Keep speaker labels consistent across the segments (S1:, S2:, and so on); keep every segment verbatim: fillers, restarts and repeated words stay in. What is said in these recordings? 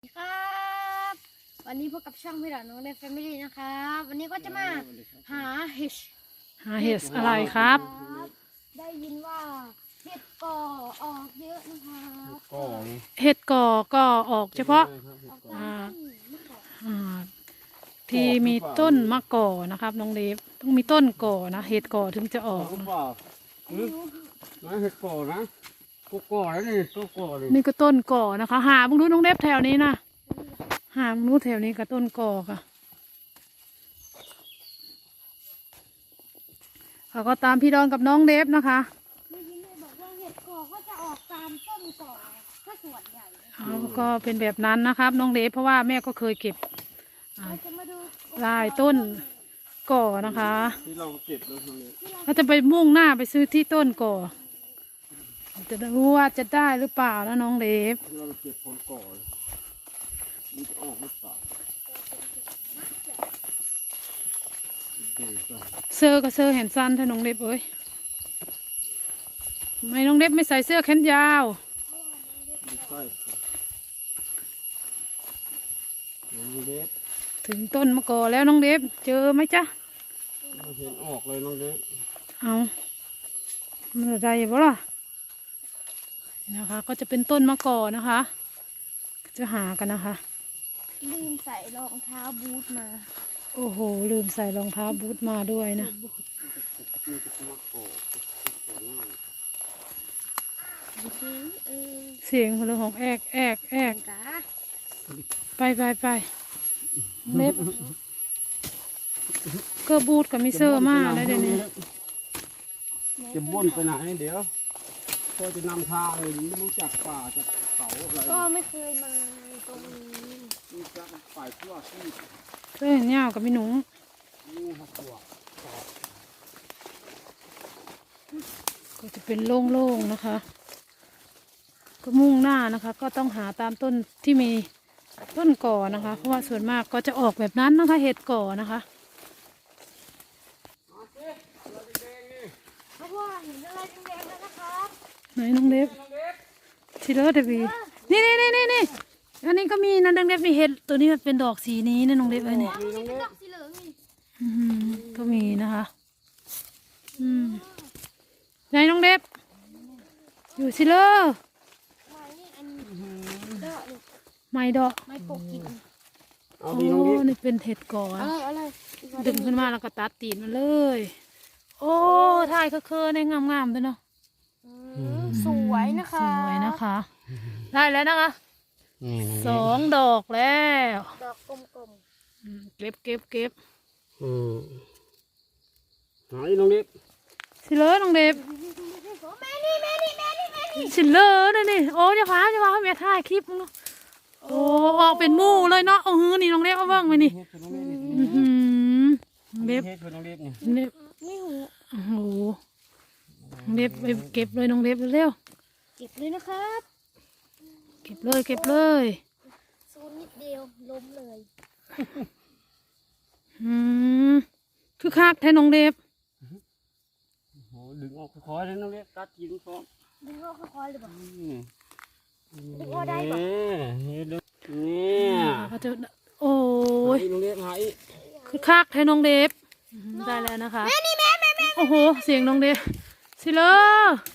S1: ครับวันนี้พบกับช่องพี่หลานน้องเล็กแฟมิลี่นะครับวันนี้ก็จะมาหาเห็ด
S2: หาเห็ดอะไรครับ
S1: ได้ยินว่าเห็ดก่อออกเยอะนะครับ
S2: เห็ดก่อก็ออกเฉพาะอ่าอ่าที่มีต้นมะก่อนะครับน้องเล็บต้องมีต้นก่อนะเห็ดก่อถึงจะออกนะ
S3: นะเห็ดก่อนะก็ก่อแล้วนี่ก็ก่อเลย
S2: นี่ก็ต้นก่อนะคะ หาบุ้งนู้นน้องเล็บแถวนี้นะหาบุ้งนู้นแถวนี้ก็ต้นก่อค่ะเขาก็ตามพี่ดอนกับน้องเล็บนะคะ
S1: ได้ยินเลยบอกว่าเห็ดก่อก็จะออกตามต้นก่อก็ส่วนใหญ่
S2: เขาก็เป็นแบบนั้นนะครับน้องเล็บเพราะว่าแม่ก็เคยเก็บอ่า
S1: เราจะมาดู
S2: ลายต้นก่อนะคะ
S3: ที่เราเก็บแล้วตรงนี้
S2: เขาจะไปมุ่งหน้าไปซื้อที่ต้นก่อจะรู้ว่าจะได้หรือเปล่านะน้องเล็บ
S3: ที่เราเก็บผลก่อมันจะออกหรือเปล่าโอเคจ้ะ
S2: เสื้อก็เสื้อแขนสั้นถ้าน้องเล็บเอ้ยทำไมน้องเล็บไม่ใส่เสื้อแขนยาว
S3: ดูใต้น้องเล็บ
S2: ถึงต้นมะกอแล้วน้องเล็บเจอไหมจ๊ะ
S3: เราเห็นออกเลยน้องเล็บ
S2: เอามันอะไรบ่ล่ะนะคะ ก็จะเป็นต้นมะกอนะคะ จะหากันนะคะ
S1: ลืมใส่รองเท้าบูทมา
S2: โอ้โหลืมใส่รองเท้าบูทมาด้วยนะ
S3: นี่จะเป็นมะกอกก่อหน้า
S1: จริงๆเออ
S2: เสียงเรื่องของแอกแอกแอก
S1: จ้า
S2: ไปไปไปเล็บก็บูทกับมิเซอร์มากแล้วเดี๋ยวนี้
S3: จะบ่นไปไหนเดี๋ยวก็จะนำทางเลยไม่รู้จักป่าจากเขาอะไร
S1: ก็ไม่เคยมาตรงนี้
S3: นี่จะฝ่ายทั่วที่
S2: เสื้อแขนยาวกับพี่หนู
S3: นี่หักตัว
S2: ก็จะเป็นโล่งๆนะคะ ก็มุ่งหน้านะคะ ก็ต้องหาตามต้นที่มีต้นก่อนะคะ เพราะว่าส่วนมากก็จะออกแบบนั้นนะคะ เห็ดก่อนะคะ
S1: เพราะว่าเห็นอะไรแดงๆแล้วนะครับ
S2: ไหนน้องเล็บชิลเลอร์เดวีนี่นี่นี่นี่นี่อันนี้ก็มีนะน้องเล็บมีเห็ดตัวนี้มันเป็นดอกสีนี้นะน้องเล็บเอ้ยเนี่ย
S1: มีเป็นดอกสีเหลืองนี่
S2: อืมก็มีนะคะอืมไหนน้องเล็บอยู่ชิลเลอร์
S1: ไม้นี่อันดอกนี่
S2: ไม้ดอก
S1: ไม้ปกกิน
S3: เอา
S2: โอ้
S3: ดีน้องเล็บ
S2: นี่เป็นเห็ดก่อ
S1: อะ
S2: นะ
S1: ไรอะไร
S2: ดึงขึ้นมาแล้วก็ตัดตีนมันเลย โอ้ถ่ายเคอๆในงามๆด้วยเนาะ
S1: สวยนะคะ
S2: สวยนะคะ ได้แล้วนะคะ
S3: นี่
S2: สองดอกแล้ว
S1: ดอกกลม
S2: อืมเก็บเก็บเก็บ
S3: อืมหาอีน้องเล็บ
S2: สิเลอน้องเด็บ
S1: ๆโอ้แม่นี่แม่นี่แม่นี่แม่นี่
S2: สิเลอนี่นี่โอ้จะพาจะพาให้แม่ถ่ายคลิปมึงเนาะโอ้ออกเป็นหมู่เลยเนาะโอ้ฮือนี่น้องเล็บเอาเบิ่งไปนี่
S3: เฮ็ดคือน้องเล็บนี่
S2: อือหือน้องเล็บ
S3: เฮ็ดคือน้องเล็บนี่
S2: เล็บ
S1: นี่หู
S2: โอ้โหน้องเล็บไปเก็บเลยน้องเล็บเร็ว
S1: เก็บเลยนะครับ
S2: ๆเก็บเลยเก็บเลย
S1: โซนนิดเดียวล้มเลย
S2: อืมคือคักแท้น้องเล็บ
S3: โหดึงออกคอยๆเลยน้องเล็บตัดกินพร้อม
S1: ดึงออกค่อยๆเลยบ่
S3: นี่
S1: ดึงออกได้ปะ
S3: นี่ดึงนี่
S2: ก็จะโอ้ย
S3: หาอีน้องเล็บหาอี
S2: คือคักแท้น้องเล็บอืมได้แล้วนะคะแม่นี่แม่แม่แม่โอ้โหเสียงน้องเล็บสิเลอ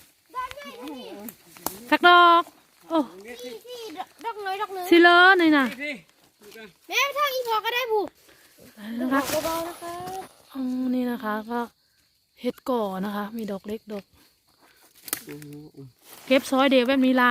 S2: สักดอกโอ้
S1: พี่พี่ดอกน้อยดอกนึง
S2: สิเลอหน่อยนะ
S3: พี่
S1: แม่ทางอีพอก็ได้ผู้
S2: นะคะ
S1: เบาๆนะคะ
S2: อืมนี่นะคะก็เห็ดก่อนะคะ มีดอกเล็กดอกเก็บซอยเดียวแบบนี้ละ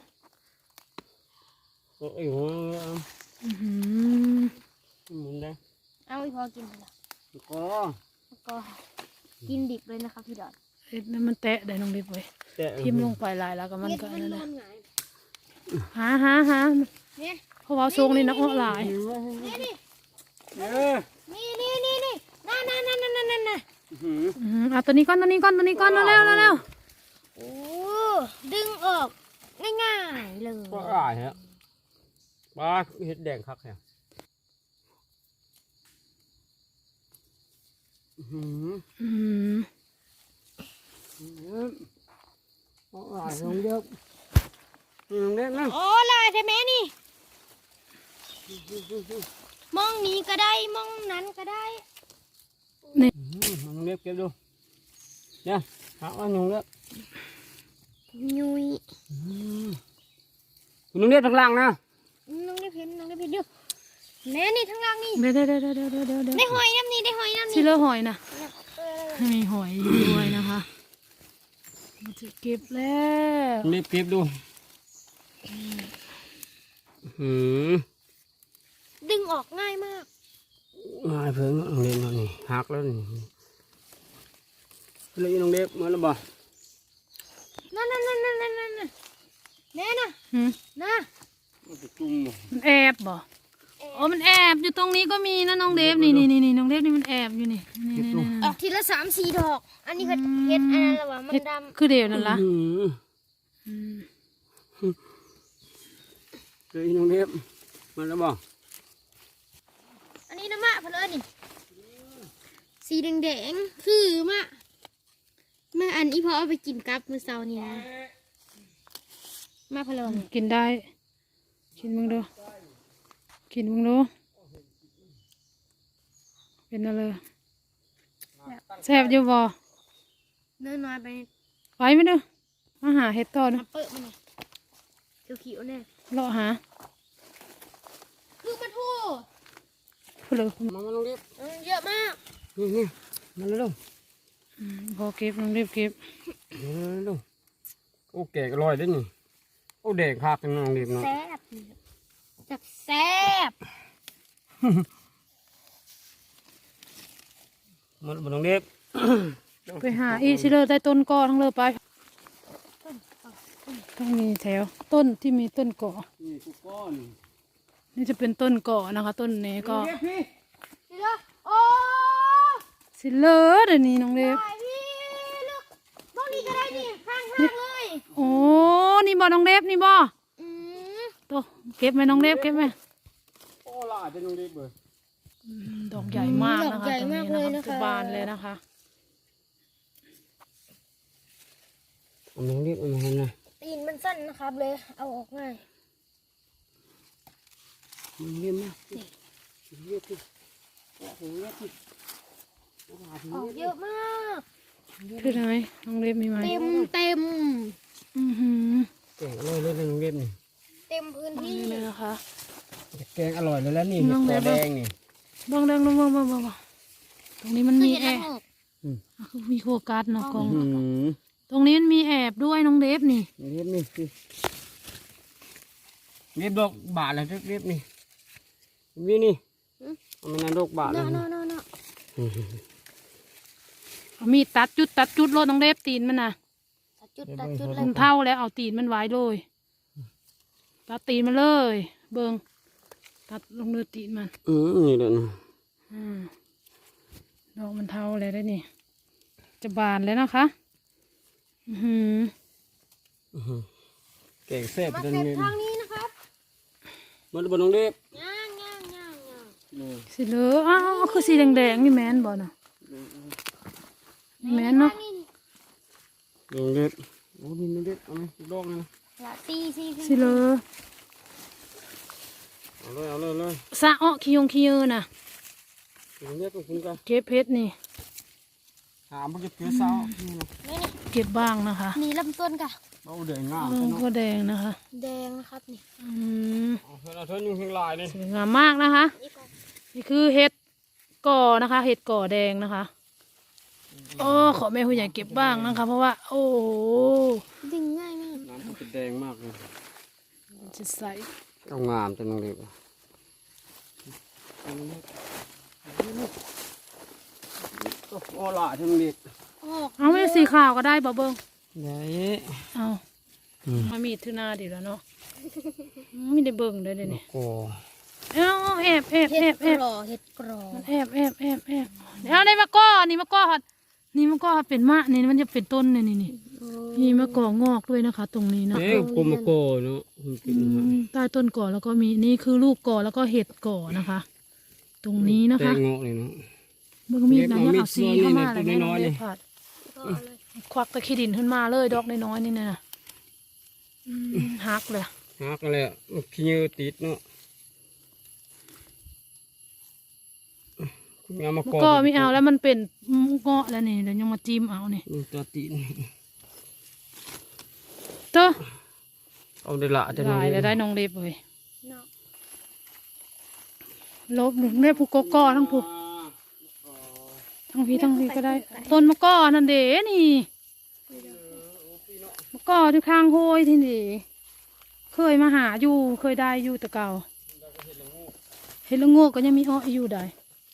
S3: โอ้ยหัว
S2: อือหือ
S3: หมุนได้
S1: เอาอีพอกินไปละ
S3: ก็
S1: แล้วก็กินดิบเลยนะคะพี่ดอด
S2: เห็ดนั่นมันแตะได้น้องเล็บไว้
S3: แต่
S2: ทิ่มลงไปหลายแล้วก็มัน
S1: เม็ด
S2: ก็
S1: มัน
S2: นั่น
S1: น
S2: แห
S1: อ
S2: ละ
S1: นหงาย
S2: หาหาหา
S1: เนี่ย
S2: เพราะว่าทรงนี่นะอ้อหลาย
S1: นี่นี่
S3: เออ
S1: นี่นี่นี่นี่นั่นนั่นนั่นนั่นนั่นนั่น
S3: หือ
S2: อืมเอาตัวนี้ก้อนตัวนี้ก้อนตัวนี้ก้อนเร็วเร็วเร็ว
S1: โอ้ดึงออกง่ายๆเลย
S3: ก็อายฮะปลาเห็ดแดงคักแฮะหือ
S2: อืม
S3: ก็อายลงเยอะลงเล็กนะ
S1: โอ้ลายใช่ไหมนี่มองนี้ก็ได้มองนั้นก็ได้
S3: อืมน้องเล็บเก็บดูเนี่ยหาว่าน้องเล็บ
S1: ยุย
S3: อืมน้องเล็บทางล่างนะ
S1: น้องได้เห็นน้องได้เห็นอยู่แน่นี่ทั้งล่างนี่
S2: เดี๋ยวเดี๋ยวเดี๋ยวเดี๋ยวเดี๋ยวเดี๋ยวเดี๋ยว
S1: ได้หอยน้ำนี่ได้หอยน้ำ
S2: ชิ
S1: นี่
S2: เลอร์หอยนะ
S1: เออ
S2: มีหอยอยู่ด้วยนะคะเราจะเก็บแล้ว
S3: น้องเล็บเก็บดูอืม
S1: ดึงออกง่ายมาก
S3: ง่ายเพิ่งน้องเล็บมานี่หักแล้วนี่เลยน้องเล็บมาแล้วบ่
S1: นั่นนั่นนั่นนั่นนั่นนั่นแน่น่ะ
S2: หืม
S1: นะ
S3: มันจะจุ่มบ่
S2: มันแอบบ่โอ้มันแอบอยู่ตรงนี้ก็มีนะน้องเดฟนี่นี่นี่นี่น้องเดฟนี่มันแอบอยู่นี่นี่นี่นี่
S1: ออกทีละสามสี่ดอก อันนี้ก็เห็ดอันนั้นละวะมัน
S2: เฮ็ด
S1: ด
S2: คือเดียวนั่นละ
S3: อืม
S2: อืม
S3: เลยน้องเล็บมาแล้วบ่
S1: ำอันนี้นะมะเพลินนี่สีแดงๆคือมะมะอันอีพอเอาไปกินกับมื้อเช้านี่นะมะเพลินนี่
S2: กินได้กินมึงดูกินมึงดูเป็นอะไรแซ่บอยู่บ่
S1: เนื้อน้อยไป
S2: ไปไหมเด้อมาหาเห็ดต่อนะ
S1: น้ำเปิดมันนี่เขียวๆเนี่ย
S2: เลาะหา
S1: คือมันทู่
S2: พูดเลย
S3: มามาน้องเล็บ
S1: อืมเยอะมาก
S3: นี่นี่มาแล้ว
S2: อืมพอเก็บน้องเดฟเก็บ
S3: เร็วเร็วโอ้แก่ก็ลอยได้นี่โอ้แดงคักจังน้องเล็บเนาะ
S1: แซ่บจับแซ่บ
S3: มันบ่น้องเล็บ
S2: ไปหาอีชิเลอร์ใต้ต้นกอทั้งเลยไปต้องมีแถวต้นที่มีต้นเกาะ
S3: นี่กูก้อน
S2: นี่จะเป็นต้นเกาะนะคะ ต้นนี้ก็
S3: เล็บพี่
S1: นี่เด้อโอ้
S2: ซิเลอร์เดี๋ยวนี้น้องเดฟ
S1: ตายพี่ลูกพวกนี้ก็ได้นี่ข้างๆเลย
S2: โอ้นี่บ่น้องเดฟนี่บ่
S1: อืม
S2: ตัวเก็บไหมน้องเดฟเก็บไหม
S3: โอ้ล่าจะน้องเล็บเบิด
S2: อืมดอกใหญ่มากนะคะ
S1: ดอกใหญ่มากเลยนะคะ
S2: บานเลยนะคะ
S3: เอาน้องเล็บเอามาให้หน่อย
S1: ตีนมันสั้นนะครับเลย เอาออกง่าย
S3: น้องเล็บมาน้องเล็บพี่โอ้โหเล็บพี่โอ้โห
S1: ออกเยอะมาก
S2: คือไหนน้องเดฟมีไหม
S1: เต็มเต็ม
S2: อือหือ
S3: แกงอร่อยเลยนะน้องเล็บนี่
S1: เต็มพื้นที่
S2: นี่เลยนะคะ
S3: แกงอร่อยเลยแล้วนี่
S2: น้
S3: เห็
S2: อ
S3: ด
S2: ง
S3: ค
S2: เล็
S3: อบ แดงนี่
S2: บ้องแดงลงบ้องบ้องบ้องตรงนี้มัน
S1: คือ
S2: มี
S1: เห็ด
S2: แอ
S1: ละ
S2: บ
S1: โงก
S2: อ่ะคือมีโฟกัสเนาะกล้อง
S3: อืม
S2: ตรงนี้มันมีแอบด้วยน้องเดฟนี่
S3: เล็บนี่พี่เล็บดอกบาทเลยเล็บนี่นี่นี่เอามันนดอกบาทเล
S1: เนาะ
S3: ย
S1: เนาะเนาะเนาะ
S2: เอามีดตัดจุดตัดจุดโลดน้องเดฟตีนมันนะ
S1: ตัดจุดตัดจุดเล
S2: มั
S1: ย
S2: นเท่าแล้วเอาตีนมันไว้เลยตัดตีนมันเลย เบิงตัดลงเนื้อตีนมัน
S3: อืมนี่แหละนะ
S2: อืมดอกมันเท่าแล้วได้นี่ จะบานแล้วนะคะ อือหือ
S3: แกงแซ่บ
S1: มา
S3: จัง
S1: เสร็จ
S3: เลย
S1: ทางนี้นะครับ
S3: มันบนน้องเล็บ
S1: ย่างย่างย่างย่าง
S2: สีเหลืองอ้าวคือสีแดงๆนี่แมนบ่เนาะนี่แมนเนาะ
S1: นี่
S3: น้องเล็บโอ้นี่น้องเล็บเอาไหมดอกนะ
S1: ละตีซี
S2: สีเหลือง
S3: เอาเลยเอาเลยเลย
S2: สะอ้อขี้ยงขี้เยอน่ะ
S3: น้องเล็บต้องกินกัน
S2: เก็บเพชรนี่
S3: หามันจะเกลือซาวนี่นะ
S1: นี่นี่
S2: เก็บบ้างนะคะ
S1: มีลำต้นกะ
S3: เอาเดือดงาม
S2: เออ
S3: เนาะ
S2: ก็แดงนะคะ
S1: แดงนะครับนี่
S2: อืม
S3: เอาเธอเอาเธอยุ่งข้างลายนี่
S2: สวยงามมากนะคะ
S1: นี่ก่อน
S2: นี่คือเห็ดก่อนะคะ เห็ดก่อแดงนะคะโอ้ขอแม่ผู้ใหญ่เก็บบ้างนะคะ เพราะว่า โอ้โห
S1: ดึงง่ายมาก
S3: น้ำมันจะแดงมากเลย
S2: จะใส
S3: ต้องงามจังน้องเล็บก็โอ้ล่ะจังเล็บ
S1: ออก
S2: เอาไม่สีขาวก็ได้บ่เบิ้ง
S3: ใหญ่
S2: เอามามีดทื่อหนาดีแล้วเนาะไม่ได้เบิ้งเลยเดี๋ยวนี้
S3: โอ้
S2: เอาแอบแอบ
S1: เห็
S2: แอ
S1: ด
S2: บ
S1: ก
S2: แอบ
S1: รอเห็ดกรอ
S2: มันแอบแอบแอบแอบเดี๋ยวได้มะกอนี่มะกอฮอดนี่มะกอฮอดเป็นมะนี่มันจะเป็นต้นนี่นี่นี่มีมะกองอกด้วยนะคะ ตรงนี้เนาะ
S3: เอ๊ะกลมโกเนาะมันกิน
S2: อืมใต้ต้นก่อแล้วก็มีนี่คือลูกก่อแล้วก็เห็ดก่อนะคะ ตรงนี้นะ
S3: แต
S2: คะ
S3: งงอกเลยเนาะ
S2: เบิ่งมีดนะ
S3: เล็
S2: เนี่ย
S3: บ
S2: เอาซี
S3: เอามีด
S2: เข้ามา
S3: ตัว
S2: แล้วแม่น้
S3: น้
S2: อ
S3: อง ยๆ
S2: เล็
S3: นี่
S2: บผัด
S1: ก็เอาเลย
S2: ควักตะขี้ดินขึ้นมาเลยดอกน้อยๆนี่นะอืมหักเลย
S3: หักเลยขี้เยอะติดเนาะไม่เอามา
S2: มัน
S3: กอ
S2: ก็ไม่เอาแล้วมันเป็นเงาะแล้วนี่เดี๋ยวยังมาจิ้มเอานี่
S3: นี่ตัวตีน
S2: เจ้า
S3: เอาได้ละจะ
S2: ได้
S3: น้อง
S2: แล้วได้
S3: เล็บ
S2: น้องเล็บเลย
S1: เนาะ
S2: ลบแม่ผู้กกอทั้งผู้ทั้งพี่ทั้งพี่ก็ได้ ต้นมะกอนั่นเด้นี่มะกอที่ข้างห้วยที่นี่เคยมาหาอยู่เคยได้อยู่แต่เก่าเห็ดละโงกก็ยังมีอ้ออยู่ได้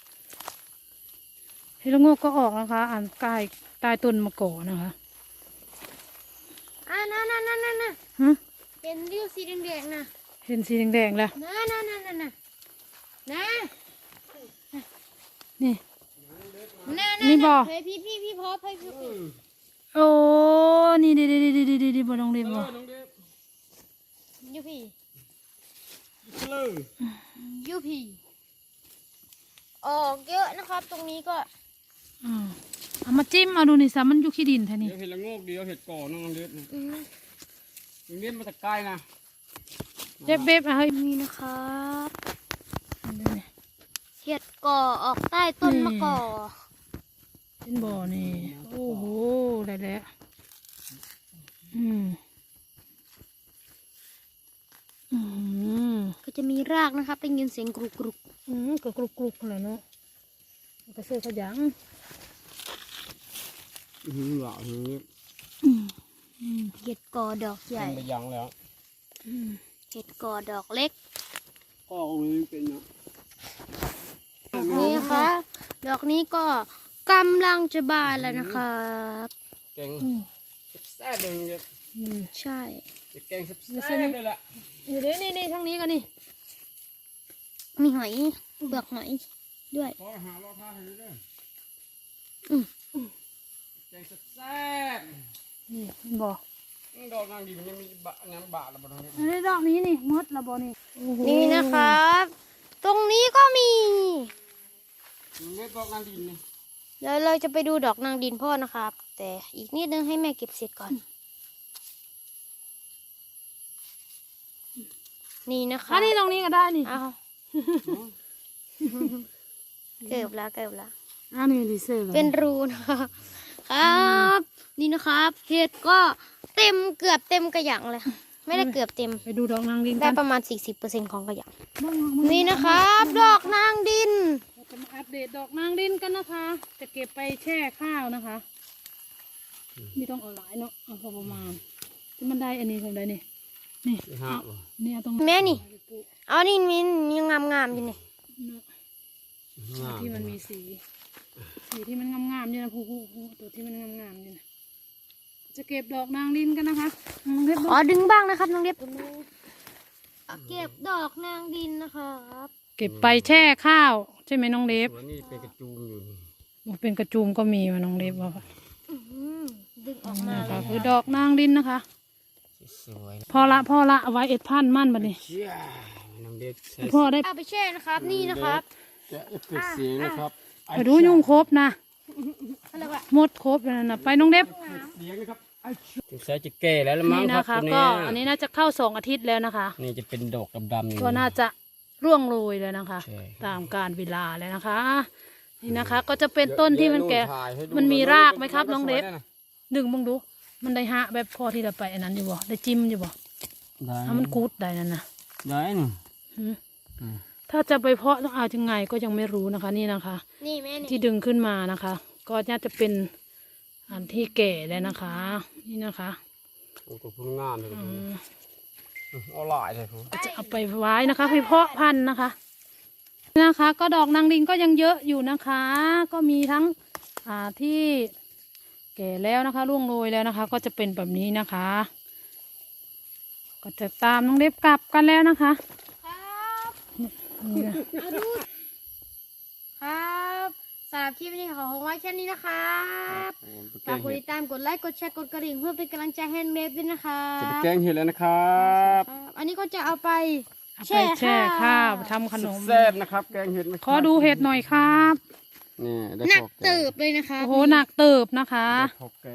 S2: เห็ดละโงกก็ออกนะคะอ่านกายใตายต้นมะกอนะคะ
S1: อ่านั่นนั่นนั่นนั่น
S2: ฮะ
S1: เป็นริ้วสีแดงๆนะ
S2: เห็นสีแดงๆแล้ว
S1: นั่นนั่นนั่นนั่นนะนะ
S2: นี่
S1: นั่น
S2: นี่บ่
S1: เฮ้ยพี่พี่พี่พอพี่พี่พี่
S2: โอ้นี่ดีดีดีดีดีดีบ่น้องเล็บบ่
S1: ยูพี่
S3: เลย
S1: ยูพี่ออกเยอะนะครับ ตรงนี้ก็
S2: อ่าเอามาจิ้มเอาดูนี่ซะมันอยู่ขี้ดินแท้นี่
S3: เดี๋ยวเห็ดละโงกเดียวเห็ดก่อน้องเล็บนะ
S1: อืม
S3: น้องเล็บมาจากใกล้นะ
S2: เจ็บเบบอ่ะเฮ้ย
S1: นี่นะครับ
S2: ดูนี่
S1: เห็ดก่อออกใต้ต้นมะกอ
S2: เป็นบ่อนี่โอ้โหได้แล้วอืมอืม
S1: ก็จะมีรากนะครับเป็นยินเสียงกรุกกรุก
S2: อืมก็กรุบกรุบขนาดเนาะมันก็เสือขยัง
S3: อือหล่อเฮ้ย
S2: อืม
S1: เห็ดก่อดอกใหญ่
S3: ไปยังแล้ว
S2: อืม
S1: เห็ดก่อดอกเล็ก
S3: ก็เอาเลยเป็นเนาะ
S1: นี่นะคะดอกนี้ก็กำลังจะบานแล้วนะครับ
S3: แกง
S2: อืม
S3: แซ่บเลยเนี่ย
S2: อืม
S1: ใช่
S3: จะแกงแซ่บเลยล่ะ
S2: อยู่เด้นี่นี่ทางนี้กันนี่
S1: มีหอยเปลือกหอยด้วย
S3: พอหาเราท่าให้ด้วย
S1: อืม
S3: แกงแซ่บ
S2: นี่บ่อ
S3: ดอกนางดินยังมีบะน้ำบะแล้วบ่น้องเล็บ
S2: อันนี้ดอกนี้นี่มดละบ่อนี่
S1: นี่นะครับ ตรงนี้ก็มี
S3: น้องเล็บดอกนางดินนี่
S1: เดี๋ยวเราจะไปดูดอกนางดินพ่อนะครับ แต่อีกนิดนึงให้แม่เก็บเสร็จก่อน นี่นะคะ
S2: อันนี้ตรงนี้ก็ได้นี่
S1: เอาเกือบแล้วเกือบแล้ว
S2: อันนี้ดีเซล
S1: เป็นรูนะครับครับ นี่นะครับ เห็ดก็เต็มเกือบเต็มกระหยังเลย ไม่ได้เกือบเต็ม
S2: ไปดูดอกนางดิน
S1: ได้
S2: กัน
S1: ประมาณ สี่สิบเปอร์เซ็นต์ ของกระหยัง
S2: บ้าง
S1: นี่นะครับ ดอกนางดิน
S2: เราจะมาอัปเดตดอกนางดินกันนะคะ จะเก็บไปแช่ข้าวนะคะไม่ต้องเอาหลายเนาะเอาพอประมาณที่มันได้อันนี้ทำได้นี่นี่
S3: ไปหาบ่
S2: นี่เอาตรง
S1: แม่นี่ เอานี่มันยังงามงามๆอยู่นี่
S2: เนาะ
S3: งาม
S2: ที่มันมีสี สีที่มันงามๆอยู่นะผู้ผู้ผู้ตัวที่มันงามๆอยู่นะจะเก็บดอกนางดินกันนะคะน้องเล็บ
S1: ขอดึงบ้างนะครับน้องเล็บเก็บดอกนางดินนะครับ
S2: เก็บไปแช่ข้าวใช่ไหมน้องเล็บ
S3: ส่วนนี้เป็นกระจูมอยู่นี่
S2: บอกเป็นกระจุมก็มีมาน้องเล็บว่าค่ะ
S1: อื้อหือดึงออกมา
S2: นะ
S1: เล
S2: คะ
S1: ย
S2: คือดอกนางดินนะคะ
S3: สวยๆนะ
S2: พอละพอละเอาไว้เอ็ดพันมั่นบัดนี้
S3: เชี่ยน้ำเด็กใส่
S2: พ่อได้
S1: เอาไปแช่นะครับ นี่นะครับ
S3: จะเอฟเฟกต์เสียงนะครับ
S2: ไปดูยุงครบนะ
S1: อะไรวะ
S2: หมดครบแล้วนะไปน้องเล็บ
S3: เสียงนะครับสงสัยจะแก่แล้วละมั้ง
S2: นี่
S3: ครับ
S2: นะคะ
S3: ตัว
S2: ก็
S3: นี้
S2: อันนี้น่าจะเข้าสองอาทิตย์แล้วนะคะ
S3: นี่จะเป็นดอกดำๆอยู่
S2: ก็น่าจะร่วงโรยแล้วนะคะ
S3: ใช่
S2: ตามการเวลาแล้วนะคะ นี่นะคะ ก็จะเป็นต้นที่มันแก่
S3: เดี๋ยวถ่ายให้ดู
S2: มันมีรากไหมครับน้องเล็บ
S3: สวยะ
S2: ดึงมึงดู มันได้หะแบบพอที่จะไปอันนั้นอยู่บ่ได้จิ้มอยู่บ่
S3: ได้
S2: ถ้ามันกูดได้นั่นนะ
S3: ได้นี่
S2: หืม
S3: อืม
S2: ถ้าจะไปเพาะต้องเอายังไงก็ยังไม่รู้นะคะ นี่นะคะ
S1: นี่แม่นี่
S2: ที่ดึงขึ้นมานะคะ ก็น่าจะเป็นอันที่แก่แล้วนะคะ นี่นะคะ
S3: โอ้โหพุ่งงามเลย
S2: อืม
S3: เอาหลายเลยผม
S2: ก็จะเอาไปไว้นะคะไปเพาะพันธุ์นะคะนะคะ ก็ดอกนางดินก็ยังเยอะอยู่นะคะ ก็มีทั้งอ่าที่แก่แล้วนะคะร่วงโรยแล้วนะคะ ก็จะเป็นแบบนี้นะคะ ก็จะตามน้องเล็บกลับกันแล้วนะคะ
S1: ครับ
S2: นี่นะ
S1: เอาดูครับสำหรับคลิปนี้ขอของไว้แค่นี้นะครับฝากกดติดตามกดไลค์กดแชร์กดกระดิ่งเพื่อเป็นกำลังใจให้เล็บด้วยนะคะ
S3: จะไปแกงเห็ดแล้วนะครับ
S1: ครับอันนี้ก็จะเอาไป
S2: เอาไปแช่ข้าวทำขนม
S3: แซ่บนะครับ แกงเห็ดไหม
S2: ขอดูเห็ดหน่อยครับ
S3: นี่ได้
S1: หนัก
S3: พอแง
S1: เติบเลยนะคะ
S2: โอ้โหหนักเติบนะคะ
S3: ได้พอแกง